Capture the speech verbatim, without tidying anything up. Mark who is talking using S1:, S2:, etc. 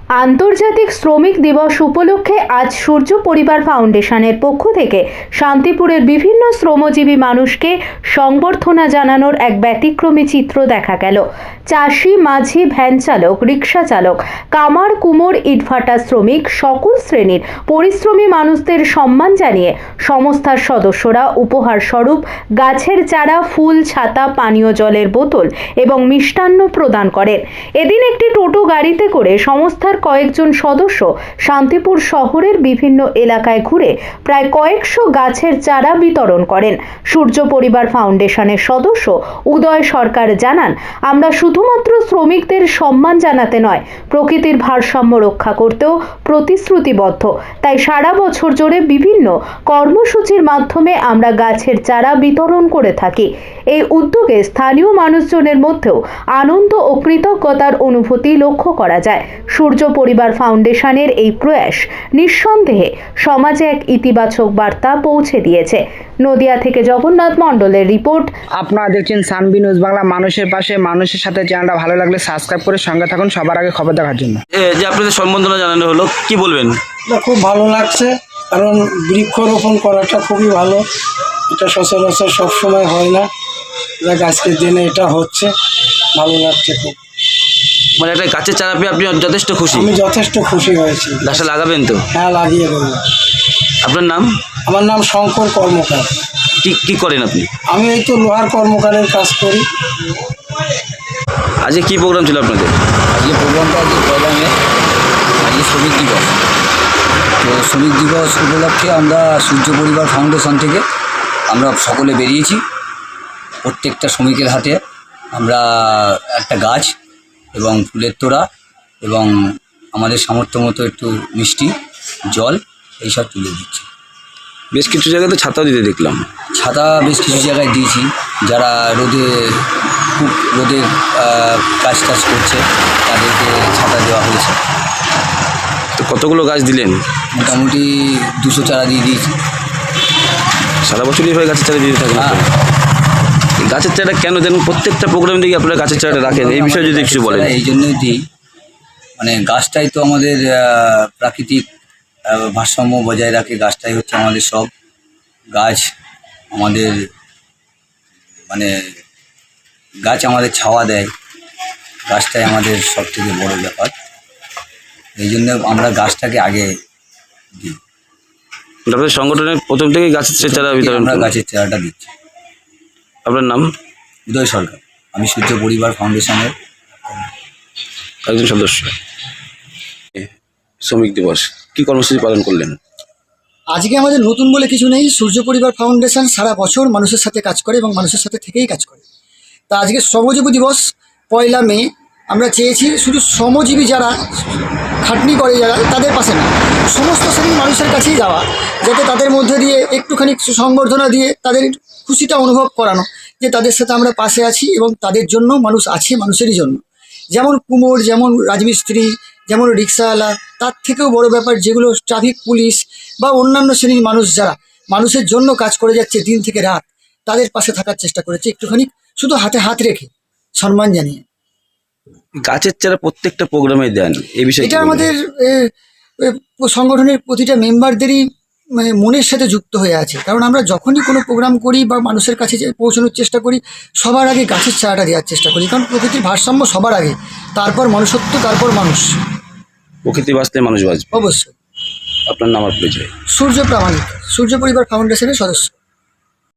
S1: আন্তর্জাতিক শ্রমিক দিবস উপলক্ষে আজ সূর্য পরিবার ফাউন্ডেশনের পক্ষ থেকে শান্তিপুরের বিভিন্ন শ্রমজীবী মানুষকে সংবর্ধনা জানানোর এক ব্যতিক্রমী চিত্র দেখা গেল। চাষি, মাঝি, ভ্যান চালক, রিক্সা চালক, কামার, কুমোর, ইটভাটা শ্রমিক সকল শ্রেণীর পরিশ্রমী মানুষদের সম্মান জানিয়ে সংস্থার সদস্যরা উপহার স্বরূপ গাছের চারা, ফুল, ছাতা, পানীয় জলের বোতল এবং মিষ্টান্ন প্রদান করেন। এদিন একটি টোটো গাড়িতে করে সংস্থার কয়েকজন সদস্য শান্তিপুর শহরের বিভিন্ন এলাকায় ঘুরে প্রায় কয়েকশো গাছের চারা বিতরণ করেন। সূর্য পরিবার ফাউন্ডেশনের সদস্য উদয় সরকার জানান, আমরা শুধুমাত্র শ্রমিকদের সম্মান জানাতে নয়, প্রকৃতির ভারসাম্য রক্ষা করতেও প্রতিশ্রুতিবদ্ধ। তাই সারা বছর জুড়ে বিভিন্ন কর্মসূচির মাধ্যমে আমরা গাছের চারা বিতরণ করে থাকি। এই উদ্যোগে স্থানীয় মানুষজনের মধ্যেও আনন্দ ও কৃতজ্ঞতার অনুভূতি লক্ষ্য করা যায়। সূর্য পরিবার ফাউন্ডেশনের এই প্রয়াস নিঃসন্দেহে সমাজে এক ইতিবাচক বার্তা পৌঁছে দিয়েছে। নদিয়া থেকে জগন্নাথ মণ্ডলের রিপোর্ট।
S2: আপনারা দেখছেন সানবি নিউজ বাংলা, মানুষের পাশে, মানুষের সাথে। চ্যানেলটা ভালো লাগলে সাবস্ক্রাইব করে সঙ্গে থাকুন সবার আগে খবর দেখার জন্য।
S3: যে আপনাদের সম্বর্ধনা জানানো হলো, কি বলবেন?
S4: খুব ভালো লাগছে, কারণ বৃক্ষরোপণ করাটা খুবই ভালো। এটা সচরাচর সবসময় হয় না, আজকের দিনে এটা হচ্ছে, ভালো লাগছে খুব।
S3: মানে একটা গাছের চারা পেয়ে আপনি যথেষ্ট খুশি?
S4: আমি যথেষ্ট খুশি হয়েছি।
S3: গাছটা লাগাবেন তো?
S4: হ্যাঁ, লাগিয়ে দেবো।
S3: আপনার নাম?
S4: আমার নাম শঙ্কর কর্মকার।
S3: কি কি করেন আপনি?
S4: আমি এই তো লোহার কর্মকারের কাজ করি।
S3: আজকে কি প্রোগ্রাম ছিল আপনাদের?
S5: আজকে প্রোগ্রামটা আজকে পয়লা মে, আজকে শ্রমিক দিবস। তো শ্রমিক দিবস উপলক্ষে আমরা সূর্য পরিবার ফাউন্ডেশন থেকে আমরা সকলে বেরিয়েছি। প্রত্যেকটা শ্রমিকের হাতে আমরা একটা গাছ এবং ফুলের তোড়া এবং আমাদের সামর্থ্য মতো একটু মিষ্টি, জল এইসব তুলে দিচ্ছি।
S3: বেশ কিছু জায়গাতে ছাতাও দিতে দেখলাম।
S5: ছাতা বেশ কিছু জায়গায় দিয়েছি, যারা রোদে খুব রোদে কাজ টাজ করছে তাদেরকে ছাতা দেওয়া হয়েছে।
S3: তো কতগুলো গাছ দিলেন?
S5: মোটামুটি দুশো চারা দিয়ে দিয়েছি।
S3: সারা বছরই হয় গাছের চারা দিতে থাকেন?
S5: হ্যাঁ।
S3: গাছের চারা কেন দেন? প্রত্যেকটা প্রোগ্রাম দিকে আপনারা গাছের চারাটা রাখেন, এই বিষয়ে যদি কিছু বলেন।
S5: এই জন্যই দিই, মানে গাছটাই তো আমাদের প্রাকৃতিক ভারসাম্য বজায় রাখে। গাছটাই হচ্ছে আমাদের সব। গাছ আমাদের মানে গাছ আমাদের ছাওয়া দেয়, গাছটাই আমাদের সব থেকে বড় ব্যাপার। এই জন্য আমরা গাছটাকে আগে দিই।
S3: আপনাদের সংগঠনের প্রথম থেকেই গাছের চারা বিতরণ?
S5: আমরা গাছের চারাটা দিচ্ছি।
S3: আপনার নাম?
S5: উদয় সরকার। আমি সূর্য পরিবার ফাউন্ডেশনের
S3: একজন সদস্য। শ্রমিক দিবস কি কর্মসূচি পালন করলেন?
S6: আজকে আমাদের নতুন বলে কিছু নেই। সূর্য পরিবার ফাউন্ডেশন সারা বছর মানুষের সাথে কাজ করে এবং মানুষের সাথে থেকেই কাজ করে। তা আজকে শ্রমজীবী দিবস পয়লা মে, আমরা চেয়েছি শুধু শ্রমজীবী যারা খাটনি করে যারা তাদের পাশে না, সমস্ত শ্রেণীর মানুষের কাছেই যাওয়া, যাতে তাদের মধ্যে দিয়ে একটুখানি সংবর্ধনা দিয়ে তাদের খুশিটা অনুভব করানো যে তাদের সাথে আমরা পাশে আছি এবং তাদের জন্য মানুষ আছে, মানুষেরই জন্য। যেমন কুমোর, যেমন রাজমিস্ত্রি, যেমন রিক্সাওয়ালা, তার থেকেও বড় ব্যাপার যেগুলো ট্রাফিক পুলিশ বা অন্যান্য শ্রেণীর মানুষ যারা মানুষের জন্য কাজ করে যাচ্ছে দিন থেকে রাত, তাদের পাশে থাকার চেষ্টা করেছে একটুখানি শুধু হাতে হাত রেখে সম্মান জানিয়ে।
S3: গাছের চারা প্রত্যেকটা প্রোগ্রামে দেন, এই বিষয়ে
S6: এটা আমাদের সংগঠনের প্রতিটা মেম্বারদেরই মানে মনের সাথে যুক্ত হয়ে আছে। কারণ আমরা যখনই কোনো প্রোগ্রাম করি বা মানুষের কাছে পৌঁছানোর চেষ্টা করি, সবার আগে গাছের চারাটা দেওয়ার চেষ্টা করি। কারণ প্রকৃতির ভারসাম্য সবার আগে, তারপর মনুষ্যত্ব, তারপর মানুষ।
S3: প্রকৃতি বাঁচতে মানুষ বাঁচবে।
S6: অবশ্যই।
S3: আপনার নাম আর পরিচয়?
S6: সূর্য প্রামাণিক, সূর্য পরিবার ফাউন্ডেশনের সদস্য।